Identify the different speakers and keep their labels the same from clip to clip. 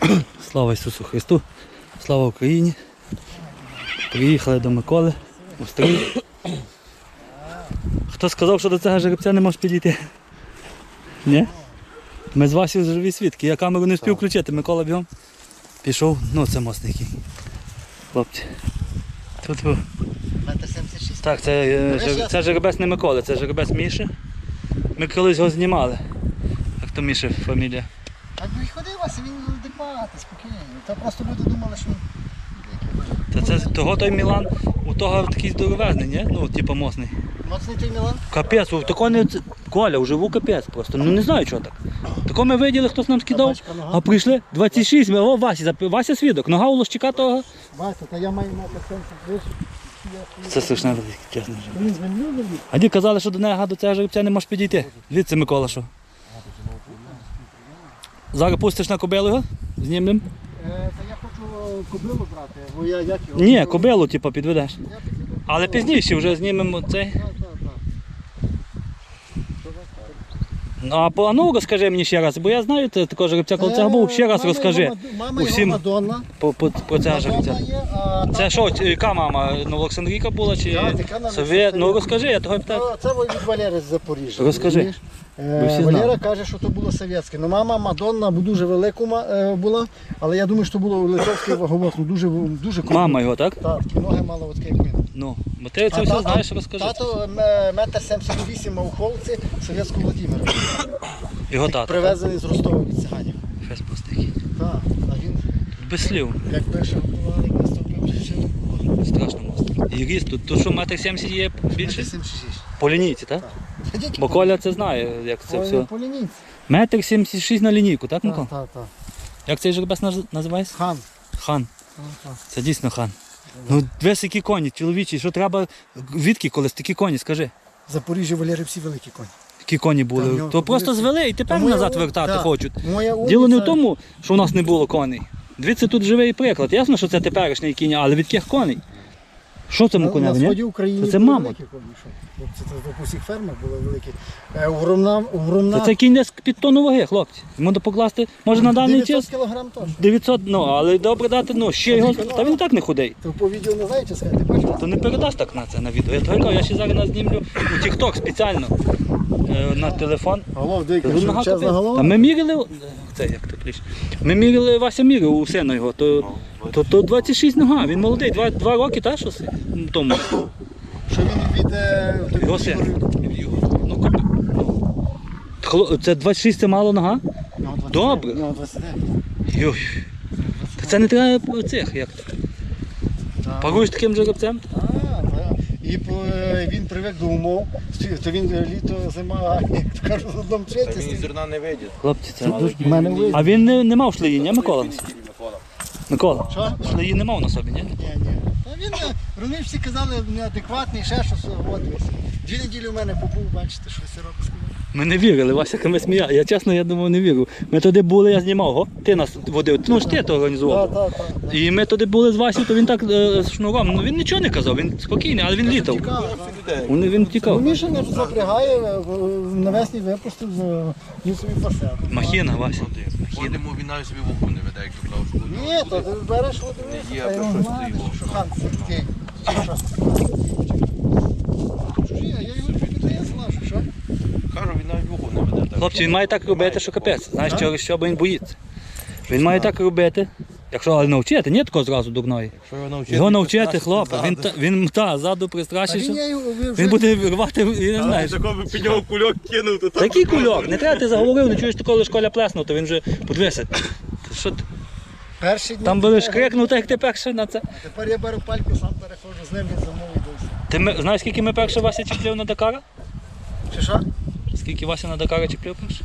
Speaker 1: Слава Ісусу Христу, слава Україні. Приїхали до Миколи у Стрий. Хто сказав, що до цього жеребця не можеш підійти? Ні? Ми з Васю живі свідки. Я камеру не встиг включити, Микола бігом пішов. Ну це мосний кінь. Хлопці. Тут. Так, це жеребець не Миколи, це жеребець Міші. Ми колись його знімали. Як то Міші фамілія?
Speaker 2: Так би й ходив, Вася, він дебати, спокійно. Та просто люди думали, що він...
Speaker 1: Та це того той Мілан, у того такий здоровезний, ні? Ну, типу мосний.
Speaker 2: Моцний той Мілан?
Speaker 1: Капець, тако не... Коля, вживу капець просто. Ну не знаю, чого так. Тако ми виділи, хтось нам скидав, а прийшли 26, о, Вася свідок, нога у Лощика того.
Speaker 2: Вася, та я маю мати сенсу вище.
Speaker 1: Це страшне, чесно. А ді казали, що до нього до цього жеребця не можеш підійти. Звідси, Микола, що? Зараз пустиш на кобилу його? Знімемо?
Speaker 2: Та я хочу кобилу брати, бо я як його...
Speaker 1: Ні, кобилу, типу, підведеш. Але пізніше вже знімемо цей. А ну розкажи мені ще раз, бо я знаю, ти такого жеребця, коли це був, ще раз розкажи.
Speaker 2: Мама його Мадонна.
Speaker 1: Про цього жеребця. Це що, яка мама? Олександрійка була чи Совєт? Ну розкажи, я того питаю.
Speaker 2: Це від Валери з Запоріжжя.
Speaker 1: Розкажи.
Speaker 2: Валера каже, що то було совєтське. Ну, мама Мадонна дуже велика була, але я думаю, що то було литовський ваговоз, ну дуже круто.
Speaker 1: Мама його, так?
Speaker 2: Так, такі ноги мала от як він.
Speaker 1: Ну, бо ти це все знаєш, розкажи.
Speaker 2: Тато 1,78 м мав у холці совєтського Владимира.
Speaker 1: Його тато.
Speaker 2: Привезений з Ростова від циганів.
Speaker 1: Фест пустий.
Speaker 2: Так, а він,
Speaker 1: Без слів.
Speaker 2: як перше готували, наступив, ще було.
Speaker 1: Страшно мост. І ріст тут що, 1,70 м є більше?
Speaker 2: 1,76 м.
Speaker 1: По лінійці, так? Бо Коля це знає, як це все.
Speaker 2: По лінійці.
Speaker 1: 1,76 м на лінійку, так, Микола?
Speaker 2: Так.
Speaker 1: Як цей жеребець називається?
Speaker 2: Хан.
Speaker 1: Хан. Це дійсно хан. Ну, дивись, які коні, чоловічі, що треба, відки колись такі коні, скажи.
Speaker 2: В Запоріжжі Валери всі великі коні.
Speaker 1: Які коні були, то просто звели і тепер назад вертати хочуть.
Speaker 2: Моя
Speaker 1: Діло не в тому, що у нас не було коней. Дивіться, тут живий приклад. Ясно, що це теперішній кінь, але від яких коней? Що цьому коневі,
Speaker 2: на
Speaker 1: ні?
Speaker 2: сході України
Speaker 1: Це
Speaker 2: були
Speaker 1: мамонт.
Speaker 2: великі коні. Це по всіх фермах були великі. Угромна...
Speaker 1: Це кінь десь під тонну ваги, хлопці. Йому покласти, може на даний
Speaker 2: 900
Speaker 1: час
Speaker 2: кілограм точно.
Speaker 1: 900, ну, але добре дати, ну, ще його, та він і так не худий.
Speaker 2: То по відео не знаєте сказати, бачиш?
Speaker 1: То не передаш так на це на відео. Я тобі кажу, я ще зараз назнімлю у TikTok спеціально на телефон.
Speaker 2: Голов,
Speaker 1: Та
Speaker 2: дивіться,
Speaker 1: нога
Speaker 2: чесна
Speaker 1: капець.
Speaker 2: голова.
Speaker 1: Та ми міряли, це як тепліше. Ми міряли, Вася мірив у сина його, то 26 нога, він молодий, 2 роки, та щось тому.
Speaker 2: Що він від...
Speaker 1: Його син. Це 26 це мало нога? Добре.
Speaker 2: У нього 29.
Speaker 1: Йой. Та це не треба цих, як то. Паруєш таким жеребцем?
Speaker 2: Так. І він привик до умов, то він літо, зима, як то кажуть, в одному
Speaker 3: Та
Speaker 2: треті.
Speaker 3: він зерна не видить.
Speaker 1: Хлопці, це дуже...
Speaker 2: В мене вийде.
Speaker 1: А він не мав шлеї, ні, Микола? Микола,
Speaker 2: Що?
Speaker 1: шлеї не мав на собі, ні?
Speaker 2: Ні. Та він, вони всі казали, неадекватний, ще щось, от ось. 2 неділі у мене побув, бачите, що сироп сказав.
Speaker 1: Ми не вірили, Вася, ми сміяли. Я чесно, я думав, не вірив. Ми туди були, я знімав, ти нас водив, ну ж ти то організував.
Speaker 2: Так.
Speaker 1: І ми туди були з Васю, то він так шнуром, ну він нічого не казав, він спокійний, але він літав. Він
Speaker 2: Ну,
Speaker 1: тікав.
Speaker 2: Міша не запрягає, навесні випустив, він собі пасе.
Speaker 1: Махіна, Вася.
Speaker 3: Ходимо, він навіть собі вуху не веде, як то клав шкоду.
Speaker 2: Ні, то ти береш от
Speaker 3: Не є,
Speaker 2: а його
Speaker 3: щось
Speaker 2: знаєш,
Speaker 3: стоїть.
Speaker 2: що хан такий. Чужі, а я його не слашу, що?
Speaker 3: Кажу, він навіть вуху не веде.
Speaker 1: Хлопці, він має так робити, що капець. Знаєш, через що, бо він боїться. Він має так робити. Якщо але навчити, ні такого зразу дурної. Його навчити, хлопа. Він ззаду
Speaker 2: А
Speaker 1: пристрашився.
Speaker 2: він я його
Speaker 1: Він буде рвати, і не знаєш.
Speaker 3: Такого під нього кульок кинув, то
Speaker 1: Такий кульок, не треба, ти заговорив, не чуєш такого, лиш Коля плеснув, то він вже подивися. Що ти?
Speaker 2: перші дні.
Speaker 1: Там будеш крикнути, як ти перший на це.
Speaker 2: Тепер я беру пальку, сам переходжу з ним, він за мною йдуся.
Speaker 1: Ти знаєш, скільки ми перше Вася чіплів на Дакара?
Speaker 2: Що?
Speaker 1: Скільки Вася на Дакара чіплів перше?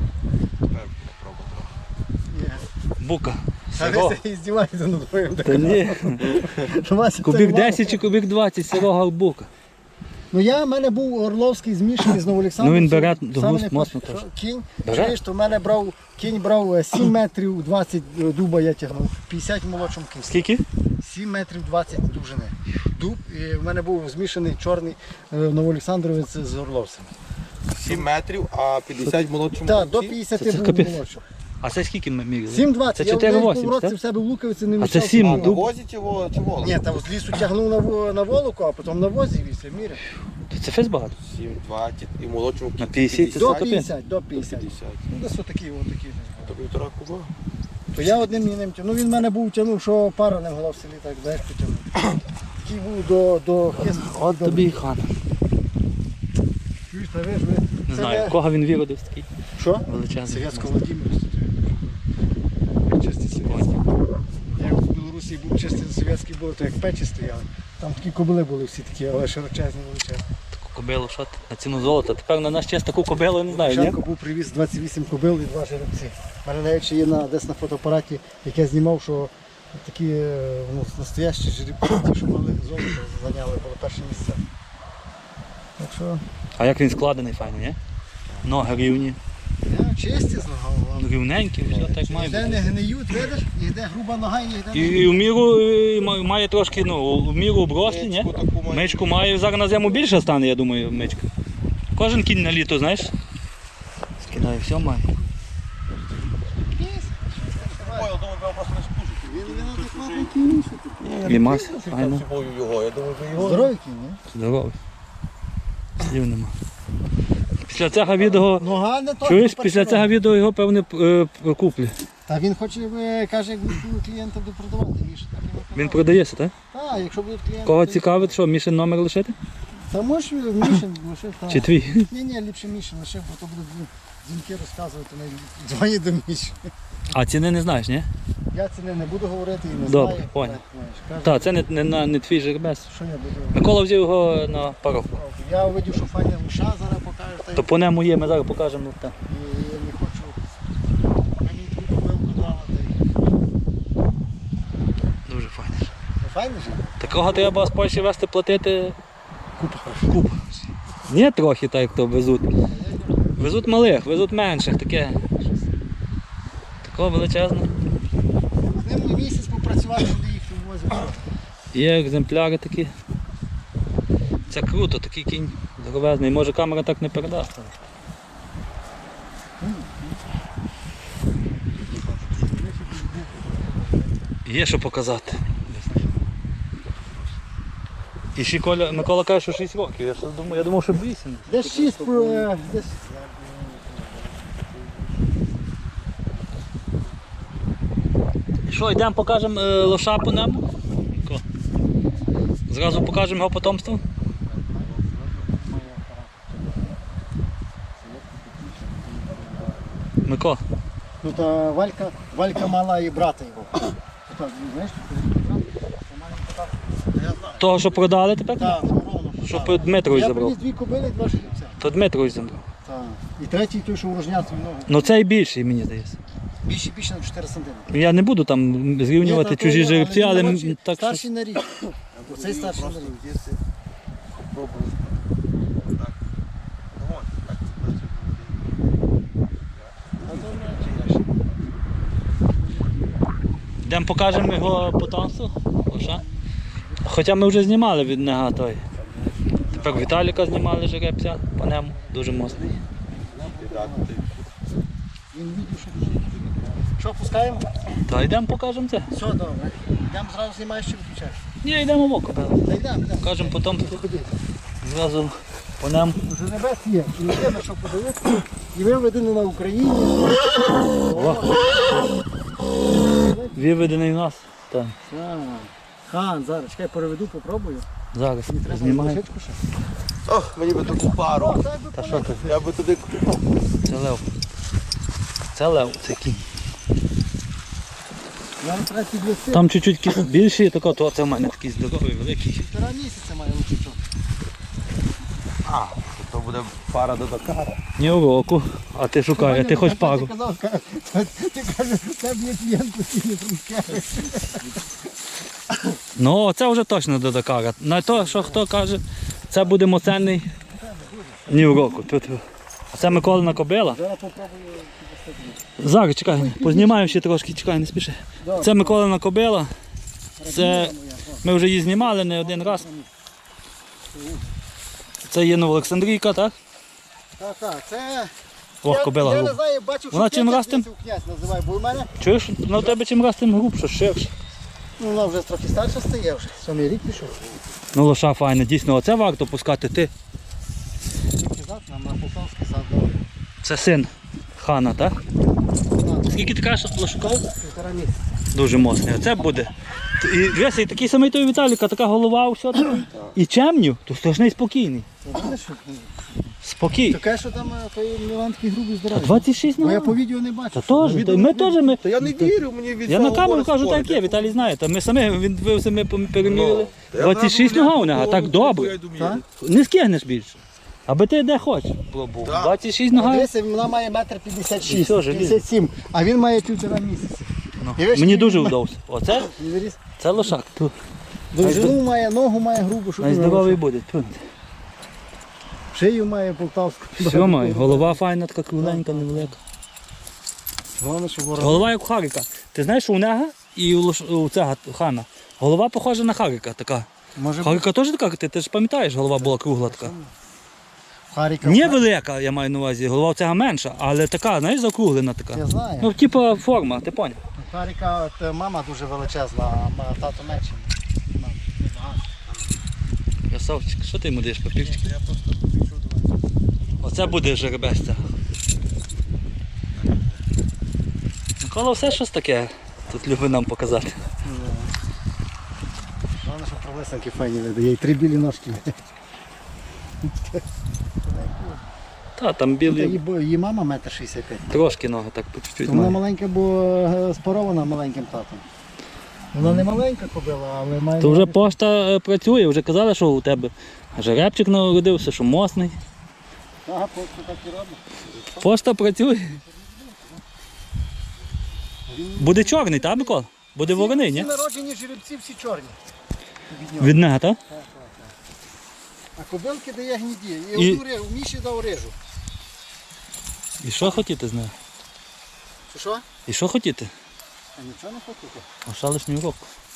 Speaker 2: Ні.
Speaker 1: Бука.
Speaker 2: А
Speaker 1: Сирого.
Speaker 2: ви це здіваєтеся над твоїм
Speaker 1: Та ні. Кубик 10 чи кубик 20 сирого бука.
Speaker 2: Ну в мене був Орловський змішаний з Новоолександрівцем.
Speaker 1: Ну, він бере до
Speaker 2: Саме
Speaker 1: густ моцно теж.
Speaker 2: Кінь,
Speaker 1: Бере?
Speaker 2: чуєш, то в мене кінь брав 7 метрів 20 дуба я тягнув, 50 молодшим кінь.
Speaker 1: Скільки?
Speaker 2: 7 метрів 20 довжини. Дуб, і в мене був змішаний чорний Новоолександровець з Орловцем.
Speaker 3: 7 метрів, а 50 молодшому.
Speaker 2: Так, до 50
Speaker 1: Це
Speaker 2: був
Speaker 1: капець.
Speaker 2: молодшим.
Speaker 1: А це скільки ми міряли?
Speaker 2: 7,20.
Speaker 1: Це
Speaker 2: Я в
Speaker 1: 4,8,
Speaker 2: поворотці
Speaker 1: так?
Speaker 2: в себе в Луковиці не
Speaker 1: А це
Speaker 2: вміщався.
Speaker 1: 7.
Speaker 3: А на
Speaker 1: дуб.
Speaker 3: возі чи волок?
Speaker 2: Ні, там з лісу тягнув на волоку, а потім на возі віз, я міряв.
Speaker 1: Це фес багато.
Speaker 3: 7,20 і молодшому
Speaker 1: На 50 це
Speaker 2: До
Speaker 1: 150.
Speaker 2: 50, до 50. Ну, десь отакі.
Speaker 3: То 1,5 куба.
Speaker 2: То я одним і ним тягнув. Ну, він в мене був тягнув, що пара не могла в селі так, знаєш, потягнути. Такий був до хисту.
Speaker 1: От тобі і хана.
Speaker 2: Чуєш, та ви ж
Speaker 1: Не знаю, кого він віродив такий
Speaker 2: Що?
Speaker 1: величезний.
Speaker 2: Совєтського Владимира. Чисті совєтські. Я в Білорусі був чистий совєтський, було, то як печі стояли. Там такі кобили були всі такі, але широчезні, величезні.
Speaker 1: Таку кобилу, що ти? На ціну золота. Тепер на наш час таку кобилу я не знаю, ні?
Speaker 2: Шенко був привіз 28 кобил і 2 жеребці. У мене навіть ще є десь на фотоапараті, як я знімав, що такі настоящі жеребці, ті, що мали золото, зайняли, були перші місця. Так що,
Speaker 1: А як він складений файно, ні? Ноги рівні.
Speaker 2: чисті з ногами.
Speaker 1: Рівненькі, все так має
Speaker 2: Ніде не
Speaker 1: бути.
Speaker 2: гниють, видиш, ніде груба нога, ніде не
Speaker 1: І в міру має трошки, ну, в міру оброслі, ні?
Speaker 3: Мичку таку має.
Speaker 1: Мичку має, зараз на зиму більше стане, я думаю, мичка. Кожен кінь на літо, знаєш? Скидає, все має.
Speaker 3: Ой, я думаю, ви просто не спужите.
Speaker 2: Він адекватний кінь.
Speaker 1: І мась, файно.
Speaker 3: Собою його, я думаю, ви його.
Speaker 2: Здоровий кінь, ні?
Speaker 1: Здоровий. Слів нема. Після цього відео,
Speaker 2: Нога не то.
Speaker 1: чуєш,
Speaker 2: що
Speaker 1: після
Speaker 2: перший
Speaker 1: цього відео його, певне, куплю.
Speaker 2: Та він хоче, каже, як будуть клієнта продавати, Міша.
Speaker 1: Він продається, так?
Speaker 2: Так, якщо будуть клієнти.
Speaker 1: Кого цікавить, що, Мішин номер лишити?
Speaker 2: Та можеш Мішин лишив, так.
Speaker 1: Чи твій?
Speaker 2: Ні, ліпше Мішин лишив, бо то будуть дзвінки розказувати, не дзвонять до Міші.
Speaker 1: А ціни не знаєш, ні?
Speaker 2: Я ціни не буду говорити і не
Speaker 1: Добре,
Speaker 2: знаю.
Speaker 1: понял.
Speaker 2: Так, знаєш, каже,
Speaker 1: Так, це не твій жеребець.
Speaker 2: Що я буду?
Speaker 1: Микола взяв його на паровку.
Speaker 2: Я увидів, що файна лиша зараз покажеш, та й
Speaker 1: То по ньому є, ми зараз покажемо. Так.
Speaker 2: і я не хочу. Мені таку кобилку дала, та й
Speaker 1: Дуже файно.
Speaker 2: не файно ж?
Speaker 1: Такого треба з Польщі вести платити купа. Ні, трохи так, як то везуть. Везуть малих, везуть менших, таке. Такого величезного.
Speaker 2: З ним місяць попрацювати, щоб їх возив.
Speaker 1: Є екземпляри такі. Це круто, такий кінь здоровезний. Може камера так не передасть. Є що показати. І ще Микола каже, що 6 років. Я думав, що 8.
Speaker 2: Десь 6, десь.
Speaker 1: І що, йдемо покажемо лоша по ньому? Ко? Зразу покажемо його потомство? Мико,
Speaker 2: Ну та Валька мала і брата його. Так, знаєш,
Speaker 1: того, що продали тепер?
Speaker 2: так, ровно.
Speaker 1: Що Дмитрович
Speaker 2: Я
Speaker 1: забрав.
Speaker 2: приніс 2 кобили і 2 жеребця.
Speaker 1: То Дмитрович забрав.
Speaker 2: Так. І третій той, що урожняв свою ногу.
Speaker 1: Ну цей більший, мені здається.
Speaker 2: Більше на 4 см.
Speaker 1: Я не буду там зрівнювати чужі жеребці, але так що...
Speaker 2: Старший на рік. Оцей старший на рік.
Speaker 1: Йдемо покажемо його потомство. Лоша. Хоча ми вже знімали від нього той. Тепер Віталіка знімали жеребця по ньому. Дуже мощний.
Speaker 2: Він відео, що дуже. Що, пускаємо?
Speaker 1: Та йдемо покажемо це.
Speaker 2: Все, добре. Йдемо зразу знімаєш чи виключаєш?
Speaker 1: Ні, йдемо в око.
Speaker 2: Та йдемо.
Speaker 1: Покажемо потомство. Зразу по ньому.
Speaker 2: Жеребець є. І не треба, що подивитися. І виведений на Україні.
Speaker 1: Виведений у нас. Так.
Speaker 2: Хан, зараз, чекай, переведу, попробую.
Speaker 1: Зараз
Speaker 2: Мені треба
Speaker 1: знімаємо.
Speaker 2: лошечку ще.
Speaker 3: Ох, мені би таку пару.
Speaker 2: О, так би
Speaker 1: Та що ти?
Speaker 3: Я би туди купив.
Speaker 1: Це лев. Це лев, це кінь.
Speaker 2: Я вам треба підвести.
Speaker 1: Там чуть-чуть кіс більші, тако, то це в мене такий здоровий, великий.
Speaker 2: 1,5 місяця має лучичок.
Speaker 3: А, то буде пара до Дакара.
Speaker 1: Ні уроку, а ти шукай, а ти хоч пару.
Speaker 2: Ти кажеш, це б є клієнт постійно трускає.
Speaker 1: Ну, це вже точно до Дакара. На те, що хто каже, це буде моценний. Ні уроку. Тут. А це Миколина кобила.
Speaker 2: Зараз попробую підвести.
Speaker 1: Зараз, чекай, познімаю ще трошки, чекай, не спіши. Це Миколина кобила. Це ми вже її знімали не один раз. Це є Новоолександрійка, так?
Speaker 2: Так, це
Speaker 1: Ох, кобила
Speaker 2: Я не
Speaker 1: груба.
Speaker 2: знаю, бачив,
Speaker 1: Вона
Speaker 2: що
Speaker 1: чим
Speaker 2: Петя
Speaker 1: раз тим-
Speaker 2: князь називає, бо у мене,
Speaker 1: Чуєш, на тебе чим раз тим грубше, ширше.
Speaker 2: ну, вона вже трохи старша стає вже. 7-й рік пішов.
Speaker 1: Ну лоша файна, дійсно, оце варто пускати ти.
Speaker 2: Тільки завтра нам на Полтавський сад дали.
Speaker 1: Це син хана, так?
Speaker 2: На,
Speaker 1: Скільки ти кажеш лошукав?
Speaker 2: 1,5 місяця.
Speaker 1: Дуже моцний. Оце буде. І дивись, і такий самий той Віталіка, така голова, все таке. І чемнів, то страшний спокійний.
Speaker 2: Ти знаєш, що?
Speaker 1: Спокій.
Speaker 2: Таке, що там той Мілан такий грубий здоровий.
Speaker 1: 26
Speaker 2: Бо я
Speaker 1: нога.
Speaker 2: по відео не бачу.
Speaker 1: Та теж, ми теж.
Speaker 3: Та я не вірю, мені від
Speaker 1: Я на
Speaker 3: цього
Speaker 1: камеру
Speaker 3: говорить
Speaker 1: кажу,
Speaker 3: спорить.
Speaker 1: так є, Віталій знає. Та ми самі, він дивився, ми перемірили.
Speaker 3: Та я
Speaker 1: 26
Speaker 3: зразу
Speaker 1: нога у нього, так добре.
Speaker 2: Так?
Speaker 1: Не скигнеш більше. Аби ти де хочеш. Був.
Speaker 3: Так.
Speaker 1: 26 нога.
Speaker 2: Дивися, вона має 1,56
Speaker 1: І все,
Speaker 2: м,
Speaker 1: желізо.
Speaker 2: 57, а він має 1,5 місяця.
Speaker 1: Ну,
Speaker 2: І ви ж
Speaker 1: мені
Speaker 2: він
Speaker 1: дуже
Speaker 2: має-
Speaker 1: вдався. Оце,
Speaker 2: Він виріс.
Speaker 1: це лошак. Ту.
Speaker 2: Довжину має, ногу має грубу, що
Speaker 1: Найздоровий буде. Ту.
Speaker 2: шию має полтавську.
Speaker 1: Все має. Голова файна, така кругленька, невелика.
Speaker 2: Головне, що ворог.
Speaker 1: Голова як у Харика. Ти знаєш, що у нега і у цього хана. Голова похожа на Харика така.
Speaker 2: Може бути.
Speaker 1: Харика теж така, ти ж пам'ятаєш, голова була кругла така.
Speaker 2: Харіка.
Speaker 1: Не велика, я маю на увазі, голова у цього менша, але така, знаєш, закруглена така.
Speaker 2: Я знаю.
Speaker 1: Ну, типу форма, ти поняв?
Speaker 2: Харіка, от, мама дуже величезна, а тато менший.
Speaker 1: Красавчик, що ти йому даєш папірчик?
Speaker 2: Я просто підійшов до мене.
Speaker 1: Оце буде жеребець цього. Микола все щось таке тут любить нам показати.
Speaker 2: Головне, що провесенки файні видає, і 3 білі ножки.
Speaker 1: Та, там білий,
Speaker 2: Її мама 1,65 м.
Speaker 1: трошки ноги так по чуть-чуть
Speaker 2: Вона
Speaker 1: має.
Speaker 2: маленька, бо спарована маленьким татом. Вона не маленька кобила, але має.
Speaker 1: То вже пошта працює, вже казали, що у тебе жеребчик народився, що мосний.
Speaker 2: Ага, просто так і робить.
Speaker 1: Пошта працює. Буде чорний, так, Микола? Буде вороний, ні?
Speaker 2: Всі народжені жеребці, всі чорні. Від нього.
Speaker 1: Від нега, так?
Speaker 2: А кобилки дає гніді.
Speaker 1: І-
Speaker 2: І у Міші дав рижу.
Speaker 1: І що хотіти з нею?
Speaker 2: Що?
Speaker 1: І що хотіти?
Speaker 2: А нічого не хотіти.
Speaker 1: Ошалишній урок.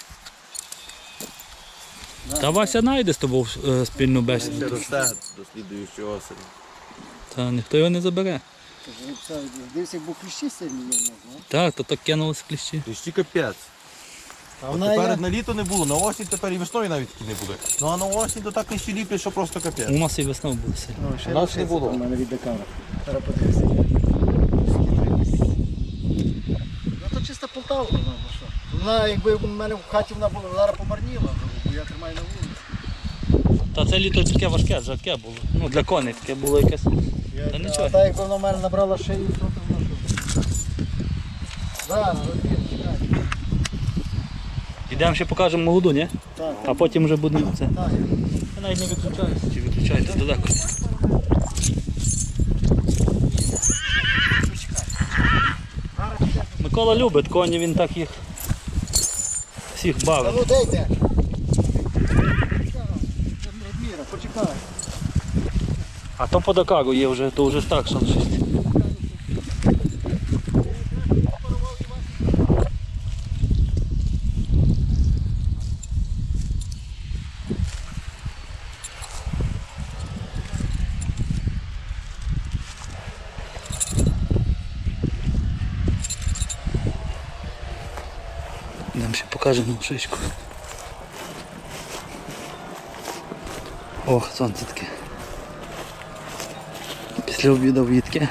Speaker 1: Та Вася найде з тобою спільну
Speaker 3: Ще
Speaker 1: бесіду.
Speaker 3: росте до слідуючої осені.
Speaker 1: Та ніхто його не забере.
Speaker 2: Дивися, бо кліщі сильні є в нас, ну.
Speaker 1: Так, то так кинулися кліщі.
Speaker 3: Трішки капець.
Speaker 2: А
Speaker 3: От
Speaker 2: вона
Speaker 3: тепер
Speaker 2: є.
Speaker 3: на літо не було, на осінь тепер і весною навіть такі не буде. Ну а на осінь то так кліщі ліплять, що просто капець.
Speaker 1: У нас і весною буде сильно.
Speaker 2: Ну, ще
Speaker 3: У нас
Speaker 2: лишиться
Speaker 3: не було.
Speaker 2: там У мене від декана. Зараз подивися. Ну то чисто Полтавка, ну що. Вона, якби в мене в хаті вона була, зараз помарніла, бо я тримаю на вулиці.
Speaker 1: Та це літо таке важке, жарке було. Ну для коней таке було якесь. Та нічого.
Speaker 2: А так якби вона в мене набрала шию, то вона що? Да, чекай.
Speaker 1: Ідемо ще покажемо молоду, ні?
Speaker 2: Так,
Speaker 1: А потім вже будемо це.
Speaker 2: так.
Speaker 1: Я навіть не виключаюся. Чи виключаєте далеко? Микола любить коні, він так їх всіх
Speaker 2: Та
Speaker 1: бавить.
Speaker 2: ну дайте. Радміра, почекай.
Speaker 1: А то по Дакару є вже, то вже старша щось. Нам ще покажемо шишку. Ох, сонце таке. Після обіду в'їдки.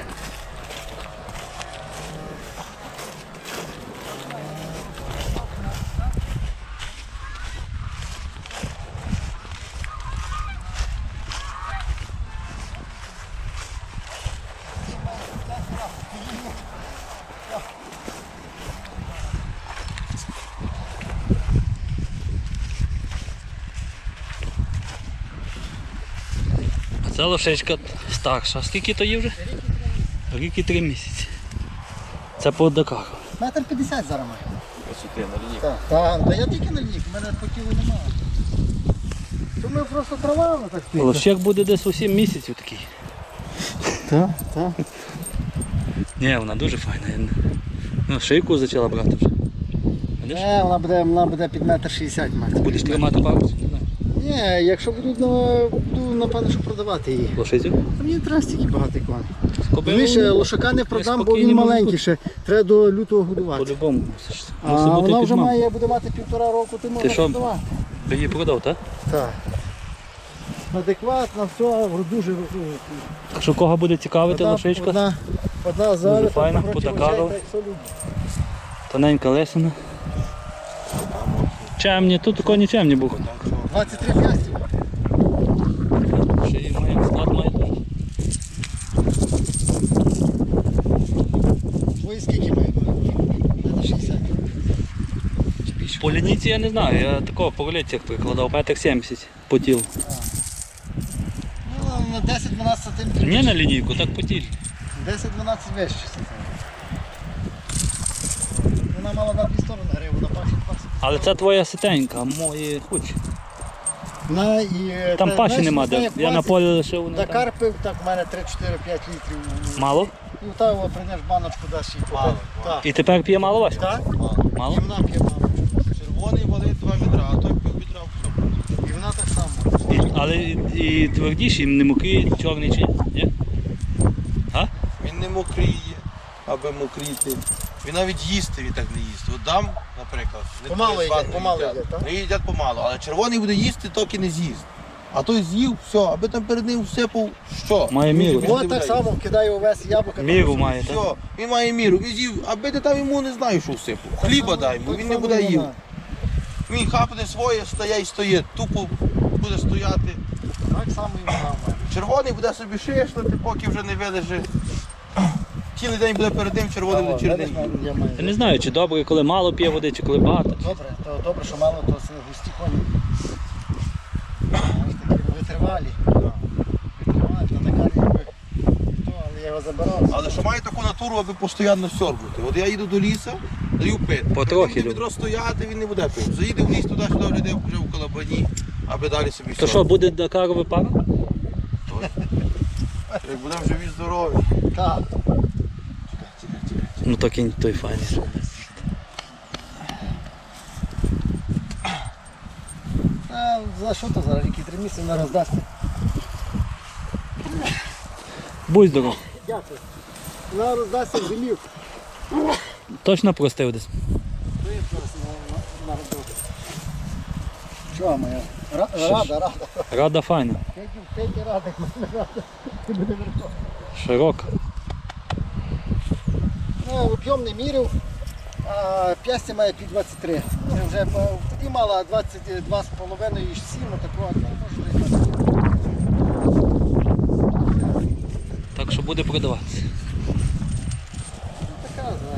Speaker 1: А це лошечка старша. Скільки то є вже? Рік і 3 місяці. Це по Дакару.
Speaker 2: 1,50 м зараз має.
Speaker 3: Висоти на лінії.
Speaker 2: Так, та я тільки на лінійку, в мене по тілу немає. То ми просто трава вона так стоїть.
Speaker 1: Лошек буде десь у 7 місяців такий.
Speaker 2: Так, так.
Speaker 1: Ні, вона дуже файна. Ну, шийку почала брати вже. Видиш?
Speaker 2: Вона буде під 1,60 м.
Speaker 1: Будеш тримати пару?
Speaker 2: Ні, якщо буду, напевно, що продавати її.
Speaker 1: Лошицю?
Speaker 2: Та мені треба стільки багато коней. Розумієш, лошака не продам, бо
Speaker 1: спокійні
Speaker 2: він
Speaker 1: можуть
Speaker 2: маленький
Speaker 1: бути.
Speaker 2: ще. Треба до лютого годувати.
Speaker 1: По-любому мусиш.
Speaker 2: А
Speaker 1: Мусить бути
Speaker 2: вона вже
Speaker 1: підмам.
Speaker 2: буде мати 1,5 року, ти можеш
Speaker 1: що?
Speaker 2: продавати.
Speaker 1: Би її продав, так?
Speaker 2: Так. Адекватно, все, дуже
Speaker 1: Так що кого буде цікавити лошичка?
Speaker 2: Одна зараз.
Speaker 1: файна, подакарова. Тоненька лесена. Чемні, тут коні чемні був.
Speaker 2: 23 п'ясті.
Speaker 1: Ще і має склад має теж.
Speaker 2: Твої скільки має? На 60. Чи більше?
Speaker 1: По лінійці я не знаю, я такого по рулетцях прикладав, 1,70 м по тілу.
Speaker 2: Ну, на 10-12 см.
Speaker 1: Не на лінійку, так по тілі.
Speaker 2: 10-12 вище. Вона мала на дві сторони гриву, на пасі.
Speaker 1: Але це твоя ситенька, а мої худші.
Speaker 2: Вона і...
Speaker 1: Там
Speaker 2: та,
Speaker 1: паші
Speaker 2: знаєш,
Speaker 1: нема
Speaker 2: не знаю,
Speaker 1: де.
Speaker 2: як
Speaker 1: Я на
Speaker 2: пасі.
Speaker 1: полі лишив. вони там.
Speaker 2: Дакар пив, так в мене 3-4-5 літрів.
Speaker 1: Мало?
Speaker 2: І та його принеш баночку, даш їй попити. Так.
Speaker 1: І тепер п'є мало Вась?
Speaker 2: Так?
Speaker 1: Мало?
Speaker 2: І вона п'є мало.
Speaker 3: Червоний валить 2 відра, а той пів відра все.
Speaker 2: І вона так само.
Speaker 1: Але і твердіші, не муки, чорний чи ні? А?
Speaker 3: Він не мокріє, аби мокріти. Він навіть їсти він так не їсть. От дам, наприклад, вони
Speaker 2: Помало
Speaker 3: таке
Speaker 2: їдять,
Speaker 3: зварене
Speaker 2: помало
Speaker 3: їдять.
Speaker 2: їдять, так?
Speaker 3: Вони їдять помало, але червоний буде їсти, токи не з'їсть. А той з'їв, все, аби там перед ним всипав, що?
Speaker 1: Має
Speaker 3: Він
Speaker 1: міру,
Speaker 3: собі
Speaker 1: так?
Speaker 2: От
Speaker 3: не
Speaker 2: так
Speaker 3: буде
Speaker 2: само кидає овес яблука.
Speaker 1: Міру має, так?
Speaker 3: Все, він має міру, він з'їв, аби ти там йому не знаю, що всипав. Хліба дай йому, він не буде їв. Він хапне своє, стає і стоїть, тупо буде стояти.
Speaker 2: Так само і вона має.
Speaker 3: Червоний буде собі шишлити, поки вже не вилежи. Цілий день буде перед ним, червоний буде через день.
Speaker 1: Я не знаю, чи добре, коли мало п'є води, чи коли багато.
Speaker 2: Добре, то добре, що мало, то це густі коні. Ось такі витривалі. Витривалі, то така якби. То, але я його забирав.
Speaker 3: Але що має таку натуру, аби постійно сьорбнути. От я їду до лісу, даю пити.
Speaker 1: Потрохи
Speaker 3: Він буде відро стояти, він не буде пити. Заїде в ліс туди-сюди, вже в колобані, аби далі собі
Speaker 1: То що, буде Дакарова пара?
Speaker 3: Як будемо живі здорові.
Speaker 2: Так.
Speaker 1: Ну то кінь той файний.
Speaker 2: А за що то зараз? Які 3 місяці не роздасться?
Speaker 1: Будь здоров.
Speaker 2: Дякую. Вона роздасться в зимів.
Speaker 1: Точно простив десь.
Speaker 2: На роботу. Що моя? Рада.
Speaker 1: Рада файна.
Speaker 2: Пейки рада, мене рада. Ти буде верхом.
Speaker 1: Широка.
Speaker 2: Ну, об'єм не міряв, а п'ястя має під 23. Вже тоді мала 22,5 і 7, такого, ну, може десь 20.
Speaker 1: Так що буде продаватися.
Speaker 2: Ну, така, знаєш.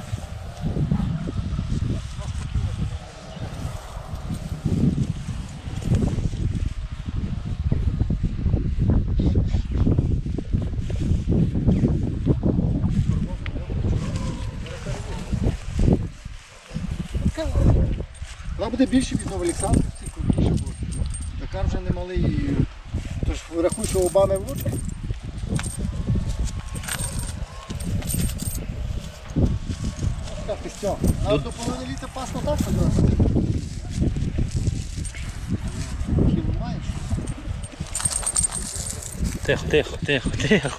Speaker 2: Вона буде більше від Новоолександрівських, більше буде. Дакар вже не малий. Тож рахуй, що Обами влучки. Така пістьо. Навіть до половини літа пасно так ходила. Хіба маєш?
Speaker 1: Тихо.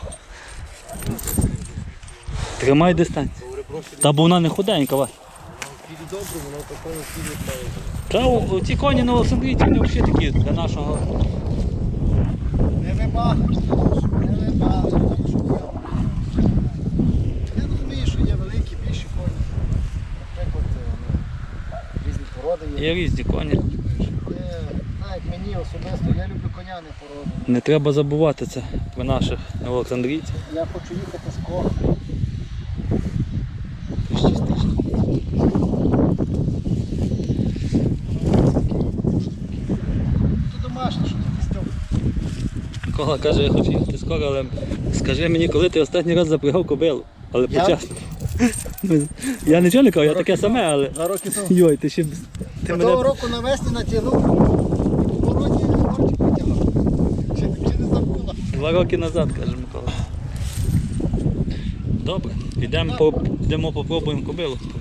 Speaker 1: Тримай дистанцію. Та бо вона не худенька, Вась. Та ці коні на Олександрійці, вони взагалі такі для нашого.
Speaker 2: Не вибагай. Я розумію, що є великі, більші коні. Наприклад, різні породи є.
Speaker 1: Є різні коні.
Speaker 2: Навіть мені особисто, я люблю коня, не породу.
Speaker 1: Не треба забувати це про наших олександрійців.
Speaker 2: Я хочу їхати скоро. Тут домашнє, що ти стьоп.
Speaker 1: Микола каже, я хочу їхати скоро, але скажи мені, коли ти останній раз запрягав кобилу. Але
Speaker 2: Я?
Speaker 1: почесно. Я нічого не кажу, я таке саме, але.
Speaker 2: 2 роки тому.
Speaker 1: Йой, ти ще. Ти
Speaker 2: Того
Speaker 1: мене.
Speaker 2: року навесні натягнув, і по вороті горчик витягав. Чи не забула?
Speaker 1: 2 роки назад, каже Микола. Добре, йдемо попробуємо кобилу.